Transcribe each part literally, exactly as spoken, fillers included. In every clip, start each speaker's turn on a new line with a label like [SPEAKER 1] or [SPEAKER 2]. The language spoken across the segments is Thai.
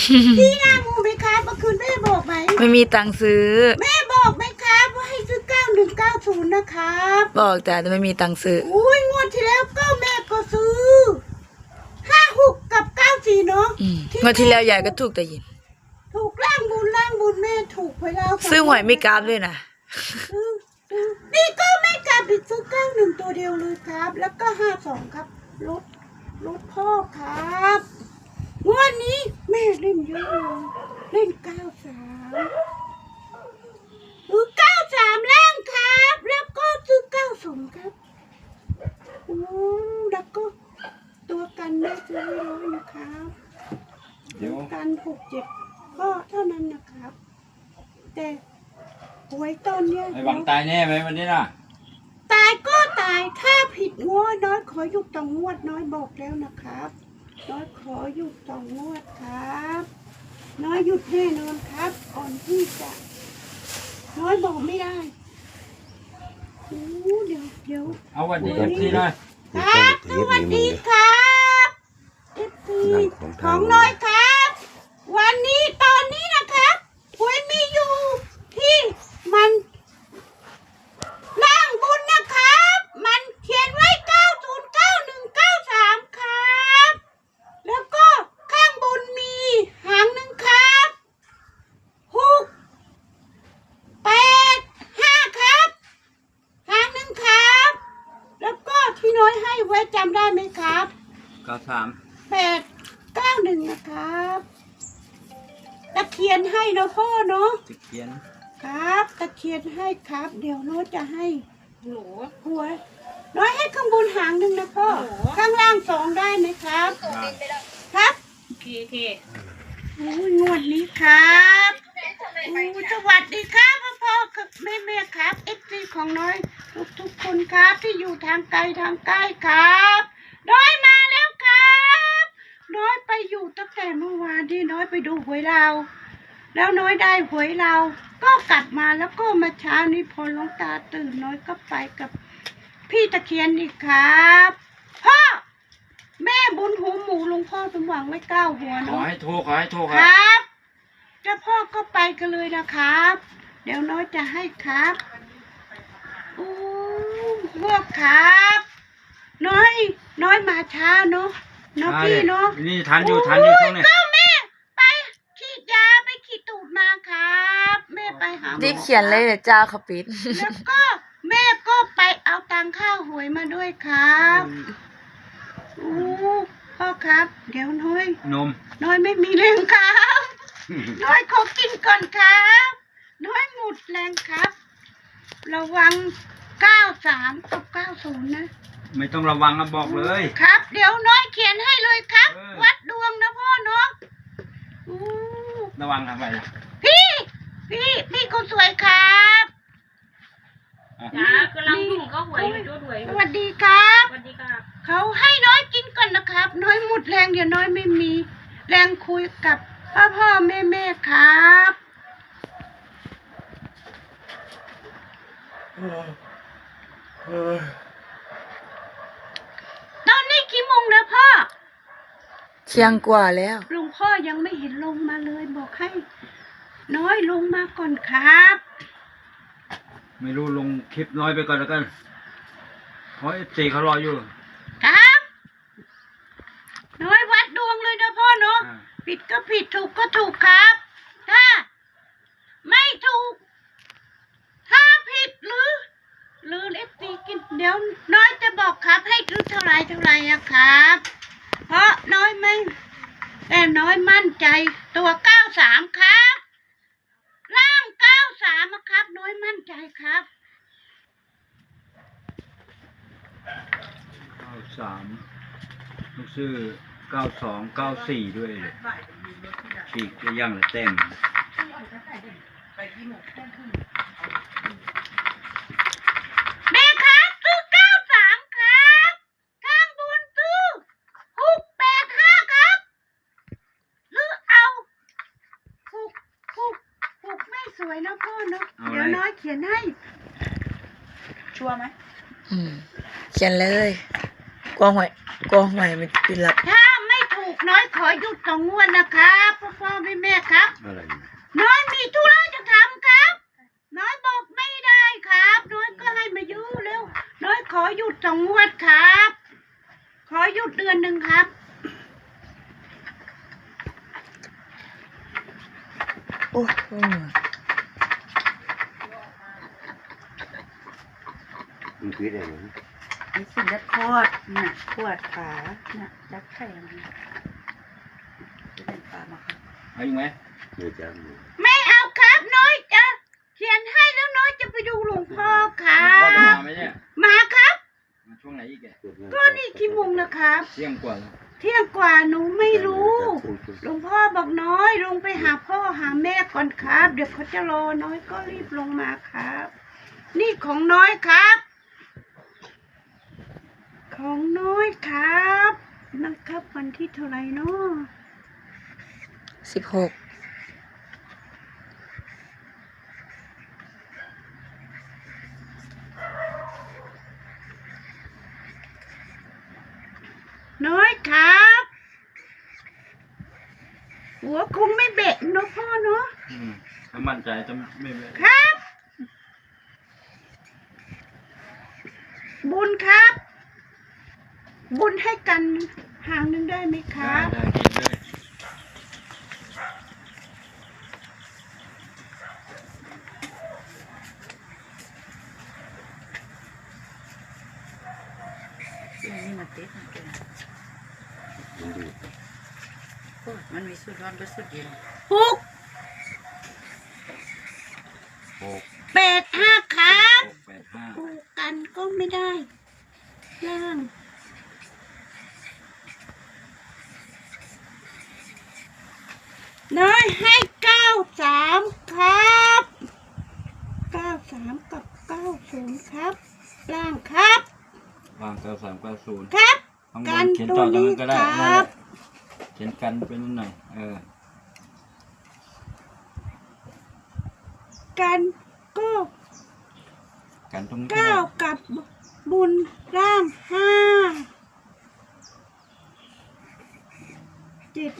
[SPEAKER 1] พี่หน้ามูไหมครับเมื่อคืนแม่บอกไหม
[SPEAKER 2] ไม่มีตังค์ซื้อ
[SPEAKER 1] แม่บอกไหมครับว่าให้ซื้อเก้าหนึ่งเก้าศูนย์นะครับ
[SPEAKER 2] บอกแต่แต่ไม่มีตังค์ซื้อ
[SPEAKER 1] อุ้ยงวดที่แล้วก็แม่ก็ซื้อห้าหกกับเก้าสี่เนาะ
[SPEAKER 2] งวดที่แล้วยายก็ถูกแต่ยิน
[SPEAKER 1] ถูกล่างบุญล่างบุญแม่ถูกไปแล้ว
[SPEAKER 2] ซื้อหวยไม่กราฟด้วยนะ
[SPEAKER 1] นี่ก็ไม่กลับอีกซื้อเก้าหนึ่งตัวเดียวเลยครับ แล้วก็ห้าสองครับรถรถพ่อครับงวดนี้แม่เล่นเยอะเลยเล่นเก้าสามหรือเก้าสามล่างครับ แล้วก็ซื้อเก้าสองครับโอ้แล้วก็ตัวกันแม่ซื้อร้อยนะครับตัวกันหกเจ็ดก็เท่านั้นนะครับ แต่หวยตอนเนี้ย
[SPEAKER 3] ไอ้หวังตายแน่ไหมวันนี้น่ะ
[SPEAKER 1] ตายก็ตายถ้าผิดงวดน้อยขอหยุดต่องวดน้อยบอกแล้วนะครับน้อยขอหยุดต่องวดครับน้อยหยุดแน่นอนครับก่อนที่จะน้อยบอกไม่ได้โอ้เดี๋ยวเดี๋ยว
[SPEAKER 3] เอาวันนี้เอฟซีหน่อย
[SPEAKER 1] ครับสวัสดีครับเอฟซีของน้อยครับวันนี้ตอนนี้นะครับหวยมีอยู่ที่มันล่างบุญนะครับมันเขียนไว้เก้าศูนย์เก้าหนึ่งเก้าสามครับแล้วก็ข้างบนมีหางหนึ่งครับหกแปดห้าครับหางหนึ่งครับแล้วก็ที่น้อยให้ไว้จำได้ไหมครับ
[SPEAKER 3] เก้าสาม
[SPEAKER 1] แปดเก้าหนึ่งนะครับตะเคียนให้นะพ่อเนาะ
[SPEAKER 3] ตะเคียน
[SPEAKER 1] ครับตะเคียนให้ครับเดี๋ยวน้อยจะให้หนูหัวน้อยให้ข้างบนหางหนึ่งนะพ่อข้างล่างสองได้ไหมครับครับ
[SPEAKER 4] โอเคโอเค
[SPEAKER 1] โอ้ยงวดนี้ครับโอ้สวัสดีครับพ่อพ่อแม่แม่ครับเอฟซีของน้อยทุกทุกคนครับที่อยู่ทางไกลทางใกล้ครับน้อยมาแล้วครับน้อยไปอยู่ตั้งแต่เมื่อวานที่น้อยไปดูหวยเราแล้วน้อยได้หวยเราก็กลับมาแล้วก็มาเช้านี้พอหลวงตาตื่นน้อยก็ไปกับพี่ตะเคียนอีกครับพ่อแม่บุญหูหมูหลวงพ่อสมหวังไว้เก้าหัว
[SPEAKER 3] ขอ
[SPEAKER 1] เนาะ
[SPEAKER 3] ให้โทรขอให้โทร
[SPEAKER 1] ค
[SPEAKER 3] ครั
[SPEAKER 1] บเจ้าพ่อก็ไปกันเลยนะครับ เดี๋ยวน้อยจะให้ครับโอ้พวกครับน้อยน้อยมาช้าเนาะเนาะพี่เนาะ
[SPEAKER 3] นี่ทันอยู่ทันอยู่ตรงนี้
[SPEAKER 1] ก็แม่ไปฉีดยาไปขีดตูดมาครับแม่ไปหาหมอ
[SPEAKER 2] รีบเขียนเลยเดี๋ยวเจ้าเขาปิด
[SPEAKER 1] แล้วก็แม่ก็ไปเอาตังค่าหวยมาด้วยครับโอ้พ่อครับเดี๋ยวน้อย
[SPEAKER 3] นม
[SPEAKER 1] น้อยไม่มีแรงครับน้อยขอกินก่อนครับน้อยหมดแรงครับระวังเก้าสามกับเก้าศูนย์นะ
[SPEAKER 3] ไม่ต้องระวังนะบอกเลย
[SPEAKER 1] ครับเดี๋ยวน้อยเขียนให้เลยครับวัดดวงนะพ่อเนาะ
[SPEAKER 3] ระวังทำไมล่ะ
[SPEAKER 1] พี่พี่พี่คนสวยครับ
[SPEAKER 4] จ้ากำลังยุ่งเขาหวยอยู่ด้วย
[SPEAKER 1] สวัสดีครับ
[SPEAKER 4] สวัสดีครับ
[SPEAKER 1] เขาให้น้อยกินก่อนนะครับน้อยหมดแรงเดี๋ยวน้อยไม่มีแรงคุยกับพ่อพ่อแม่แม่ครับตอนนี้กี่โมงแล้วพ่อ
[SPEAKER 2] เที่ยงกว่าแล้ว
[SPEAKER 1] หลวงพ่อยังไม่เห็นลงมาเลยบอกให้น้อยลงมาก่อนครับ
[SPEAKER 3] ไม่รู้ลงคลิปน้อยไปก่อนแล้วกันเพราะเอฟซีเขารออยู่
[SPEAKER 1] ครับน้อยวัดดวงเลยนะพ่อเนาะผิดก็ผิดถูกก็ถูกครับถ้าไม่ถูกถ้าผิดหรือหรือเอฟซีกินเดี๋ยวน้อยจะบอกครับให้ซื้อเท่าไรเท่าไรอะครับเพราะน้อยไม่แต่น้อยมั่นใจตัวเก้าสามครับล่างเก้าสามครับน้อยมั่นใจครับ
[SPEAKER 3] เก้าสามลูกซื้อเก้าสองเก้าสี่ด้วยเลยฉีกจะย่างละเต็ม
[SPEAKER 1] แม่ครับซื้อเก้าสามครับข้างบนซื้อหกแปดห้าครับหรือเอาหกหกหกไม่สวยนะพ่อเนาะเดี๋ยวน้อยเขียนให้ชัวร์ไหม
[SPEAKER 2] อืมเขียนเลยกลัวหวยกลัวหวยมันเป็นหลับ
[SPEAKER 1] ถ้าไม่ถูกน้อยขอขอหยุดสองงวดนะครับพ่อพ่อแม่แม่ครับ
[SPEAKER 3] อะไรเนี่ย
[SPEAKER 1] น้อยมีธุระจะทำครับ น้อยบอกไม่ได้ครับ น้อยก็ให้มายื้อเร็ว น้อยขอหยุดสองงวดครับ ขอหยุดเดือนหนึ่งครับ
[SPEAKER 2] โอ้โห
[SPEAKER 5] มันคืออะไรนะ
[SPEAKER 1] ไอ้สิ่งที่คอดน่ะขวดขาน่ะจักแข็งจะเป็นปลามาครับ
[SPEAKER 3] เอาอีกไหม
[SPEAKER 5] เนื้อจ้าหมู
[SPEAKER 1] ไม่เอาครับ น้อยจะเขียนให้แล้วน้อยจะไปดูหลวงพ่อครั
[SPEAKER 3] พ่อจะ
[SPEAKER 1] บ
[SPEAKER 3] มาไหมเนี่ย
[SPEAKER 1] มาครับ
[SPEAKER 3] มาช่วงไหนอีกแก
[SPEAKER 1] ก็นี่กี่โมงนะครับ
[SPEAKER 3] เที่ยงกว่าแล้ว
[SPEAKER 1] เที่ยงกว่าหนูไม่รู้ หลวงพ่อบอกน้อยลงไปหาพ่อหาแม่ก่อนครับ เดี๋ยวเขาจะรอน้อยก็รีบลงมาครับ นี่ของน้อยครับ ของน้อยครับนะครับวันที่เท่าไหร่เนาะ
[SPEAKER 2] สิบหก
[SPEAKER 1] น้อยครับ หัวคงไม่เบะเนอะพ่อเนาะ
[SPEAKER 3] อืมถ้ามั่นใจจะไม่ไม่
[SPEAKER 1] ครับ บุญครับ บุญให้กันหางหนึ่งได้ไหมค
[SPEAKER 3] ได้
[SPEAKER 1] รับ
[SPEAKER 3] ได้กินเลย
[SPEAKER 6] นี่มันติดมันเป็น
[SPEAKER 5] มันดี
[SPEAKER 6] โอ้ยมันมีสุดร้อนก็สุดเย็น
[SPEAKER 1] หก
[SPEAKER 3] หก
[SPEAKER 1] แปดห้าครับ
[SPEAKER 3] หกแปดห้า
[SPEAKER 1] ปลูกกันก็ไม่ได้ล่างน้อยให้เก้าสามครับเก้าสามกับเก้าศูนย์ครับล่างครับ
[SPEAKER 3] วางเก้าสามเก้าศูนย์
[SPEAKER 1] ครับ
[SPEAKER 3] ข้างบ
[SPEAKER 1] กัน น
[SPEAKER 3] เขียน
[SPEAKER 1] ตั
[SPEAKER 3] ต่
[SPEAKER 1] ว
[SPEAKER 3] อจาก
[SPEAKER 1] นี้
[SPEAKER 3] นั้นก็ได้
[SPEAKER 1] ค
[SPEAKER 3] นั่นแห
[SPEAKER 1] รั
[SPEAKER 3] ละ
[SPEAKER 1] บ
[SPEAKER 3] เขียนกันไปนิดหน่อยเออ
[SPEAKER 1] กันก็
[SPEAKER 3] กันตรงนี้ก็
[SPEAKER 1] เก้า
[SPEAKER 3] ได้
[SPEAKER 1] กับบุญล่างห้าเจ็ด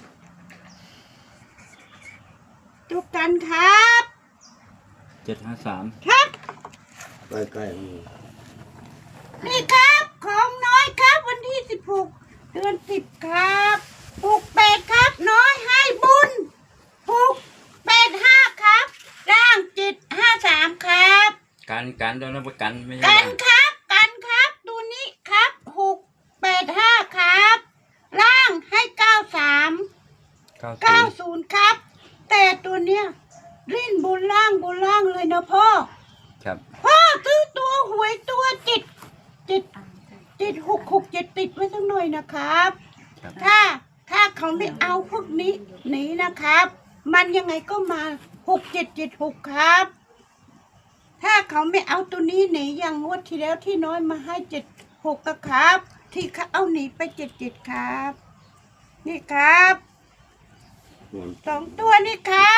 [SPEAKER 1] ตัวกันครับ
[SPEAKER 3] เจ็ดห้าสาม
[SPEAKER 1] ครับ
[SPEAKER 5] ใกล้ๆมัน
[SPEAKER 1] นี่ครับของน้อยครับวันที่สิบหกเดือนสิบครับปลูกเป็ดครับน้อยให้บุญปลูกเป็ดห้าครับร่างจิตห้าสามครับ
[SPEAKER 3] กันกันโดนรับประกันไม่ใช่
[SPEAKER 1] กัน
[SPEAKER 3] ว่า
[SPEAKER 1] ครับกันครับตัวนี้ครับหกแปดห้าครับร่างให้เก้าสาม
[SPEAKER 3] เก้า
[SPEAKER 1] เก้า
[SPEAKER 3] ศูนย์
[SPEAKER 1] ศูนย์ครับ แต่ตัวเนี้ยริ้นบนล่างบนล่างเลยนะพ่อ
[SPEAKER 3] ครับ
[SPEAKER 1] พ่อซื้อตัวหวยตัวจิตจิตจิตหกหกเจ็ดติดไว้สักหน่อยนะครับ
[SPEAKER 3] ครับ
[SPEAKER 1] ถ้าถ้าเขาไม่เอาพวกนี้หนีนะครับ มันยังไงก็มาหกเจ็ดเจ็ดหกครับ ถ้าเขาไม่เอาตัวนี้หนีอย่างงวดที่แล้วที่น้อยมาให้เจ็ดหกครับ ที่เขาเอาหนีไปเจ็ดเจ็ดครับ นี่ครับ
[SPEAKER 5] มัน
[SPEAKER 1] สองตัวนี่ครับ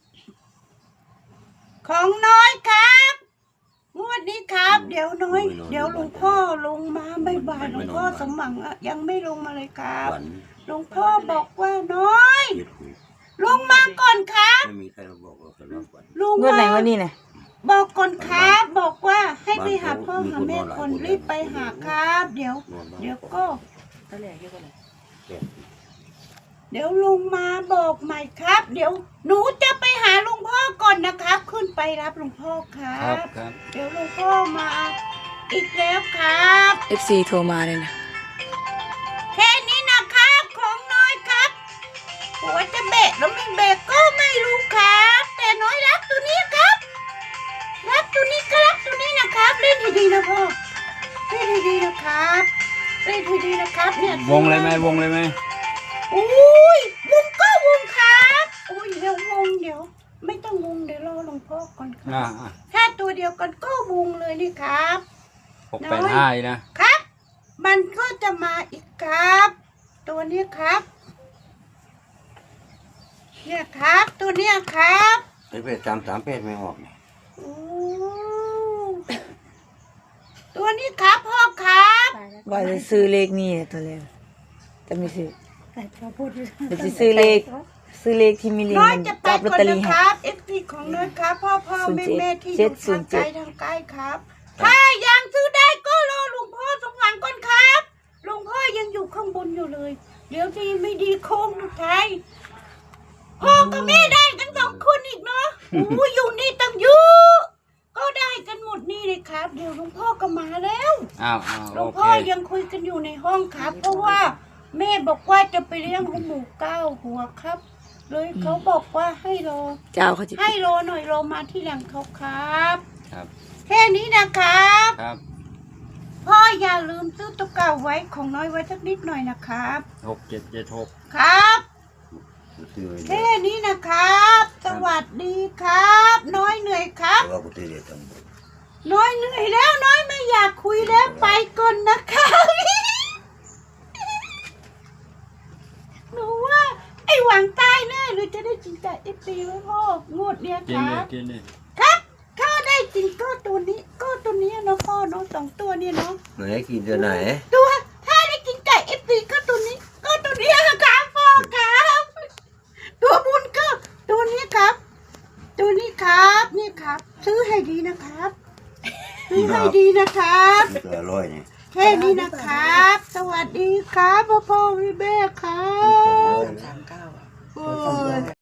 [SPEAKER 1] ของน้อยครับงวดนี้ครับ เดี๋ยวน้อย เดี๋ยวหลวงพ่อลงมาบ่ายๆหลวงพ่อสมหวังอะยังไม่ลงมาเลยครับ
[SPEAKER 5] หวาน
[SPEAKER 1] หลวงพ่อบอกว่าน้อย
[SPEAKER 5] เย็ดหู
[SPEAKER 1] ลงมาก่อนครับ
[SPEAKER 5] ไม่มีใครมาบอกว่าจะรับหวาน
[SPEAKER 1] ลง
[SPEAKER 2] งวดไหน
[SPEAKER 1] มาว
[SPEAKER 2] ะนี่เนี่ย
[SPEAKER 1] บอกก่อนครับ บอกว่าให้ไปหาพ่อหาแม่ก่อนรีบไปหาครับ เดี๋ยว
[SPEAKER 5] นอนบ้าน
[SPEAKER 1] เดี๋ยวก็
[SPEAKER 6] ตะแหลกเยอะกว่าเลย
[SPEAKER 5] แก่
[SPEAKER 1] เดี๋ยวลุงมาบอกใหม่ครับ เดี๋ยวหนูจะไปหาลุงพ่อก่อนนะครับ ขึ้นไปรับลุงพ่อครั
[SPEAKER 3] ครับ
[SPEAKER 1] บ
[SPEAKER 3] ครับ
[SPEAKER 1] เดี๋ยวลุงพ่อมาอีกแล้วครับ
[SPEAKER 2] เอฟซี โทรมาเลยนะ
[SPEAKER 1] แค่นี้นะครับของน้อยครับหัวจะเบะแล้วไม่เบะก็ไม่รู้ครับ แต่น้อยรักตัวนี้ครับ รักตัวนี้ก็รักตัวนี้นะครับเล่นให้ดีนะพ่อเล่นให้ดีนะครับเล่นให้ดีนะครับเนี่ยว
[SPEAKER 3] งเลยไหมวงเลยไหม
[SPEAKER 1] อุ้ยวงก็วงครับอุ้ยเดี๋ยววงเดี๋ยว ไม่ต้องวงเดี๋ยวรอหลวงพ่อก่อนค
[SPEAKER 3] อ่า
[SPEAKER 1] รับถ้าตัวเดียวกันก็วงเลยนี่ครับ
[SPEAKER 3] หกแปดห้านะ
[SPEAKER 1] ครับ มันก็จะมาอีกครับ ตัวนี้ครับ เนี่ยครับ ตัวเนี้ยครับ
[SPEAKER 5] ไอ้เป็ดสามสามเป็ดไม่ออกเนี่ย
[SPEAKER 1] โอ้ตัวนี้ครับพ่อครับ
[SPEAKER 2] ว่าจะซื้อเลขนี่เนี่ยตัวแรกแต่ไม่ซื้อเดี๋ยวจะซื้อเลข ซื้อเลขที่มีลิง
[SPEAKER 1] น้อย
[SPEAKER 2] มัน
[SPEAKER 1] จะไป
[SPEAKER 2] จับลอต
[SPEAKER 1] ก่อน
[SPEAKER 2] เตอรี่
[SPEAKER 1] นะค
[SPEAKER 2] ให้
[SPEAKER 1] รับเอฟซีของน้อยครับพ่อพ่อแม่แม่ที่อยู่ทางไกลทางใกล้ครับ ถ้ายังซื้อได้ก็รอหลวงพ่อสมหวังก่อนครับหลวงพ่อยังอยู่ข้างบนอยู่เลย เดี๋ยวดีไม่ดีโค้งสุดท้ายพ่อกับแม่ได้กันสองคนอีกเนาะโอ้ยอยู่นี่ตั้งเยอะก็ได้กันหมดนี่เลยครับ เดี๋ยวหลวงพ่อก็มาแล้ว
[SPEAKER 3] อ้าวอ้าว
[SPEAKER 1] หลว
[SPEAKER 3] โอง เค
[SPEAKER 1] พ่อยังคุยกันอยู่ในห้องครับ เพราะว่าแม่บอกว่าจะไปเลี้ยงหมูเก้าหัวครับ เลยเขาบอกว่าให้รอ
[SPEAKER 2] เจ้าเขาจะ
[SPEAKER 1] ให้รอหน่อยรอมาที่หลังเขาครับ
[SPEAKER 3] ครับ
[SPEAKER 1] แค่นี้นะครับ
[SPEAKER 3] ครับ
[SPEAKER 1] พ่ออย่าลืมซื้อตัวเก่าไว้ของน้อยไว้สักนิดหน่อยนะครับ
[SPEAKER 3] หกเจ็ดเจ็ดหก
[SPEAKER 1] ครับ
[SPEAKER 5] ซื้อไว้เดี๋
[SPEAKER 1] แค่
[SPEAKER 5] ยว
[SPEAKER 1] นี้นะครับ สวัสดีครับ น้อยเหนื่อยครับ
[SPEAKER 5] แต่ว่ากูซื้อเดี๋ยวทำบุญ
[SPEAKER 1] น้อยเหนื่อยแล้วน้อยไม่อยากคุยแล้วไปก่อนนะครับหนูว่าไอ้หวังตายแน่หรือจะได้จินจ่ายเอฟซีไว้พ่องวดเนี้ย
[SPEAKER 3] กิ
[SPEAKER 1] คน
[SPEAKER 3] เล
[SPEAKER 1] รั
[SPEAKER 3] ย
[SPEAKER 1] บ
[SPEAKER 3] กินเลย
[SPEAKER 1] ครับถ้าได้จริงก็ตัวนี้ก็ตัวนี้เนาะพ่อเนาะสองตัวเนี่ยเนาะ
[SPEAKER 5] ไหนกินตัวไหน
[SPEAKER 1] ตัวถ้าได้กินไก่เอฟซีก็ตัวนี้ ก็ตัวนี้ครับพ่อครับตัวบุญก็ตัวนี้ครับ ตัวนี้ครับนี่ครับ ซื้อให้ดีนะครับซื้อให้ดีนะครับ
[SPEAKER 5] มันตัวอร่อยนี่
[SPEAKER 1] แค่นี้นะครับ สวัสดีครับพ่อพ่อพี่แม่ครับ
[SPEAKER 6] สามเก้าอ่ะ
[SPEAKER 1] โอ้ย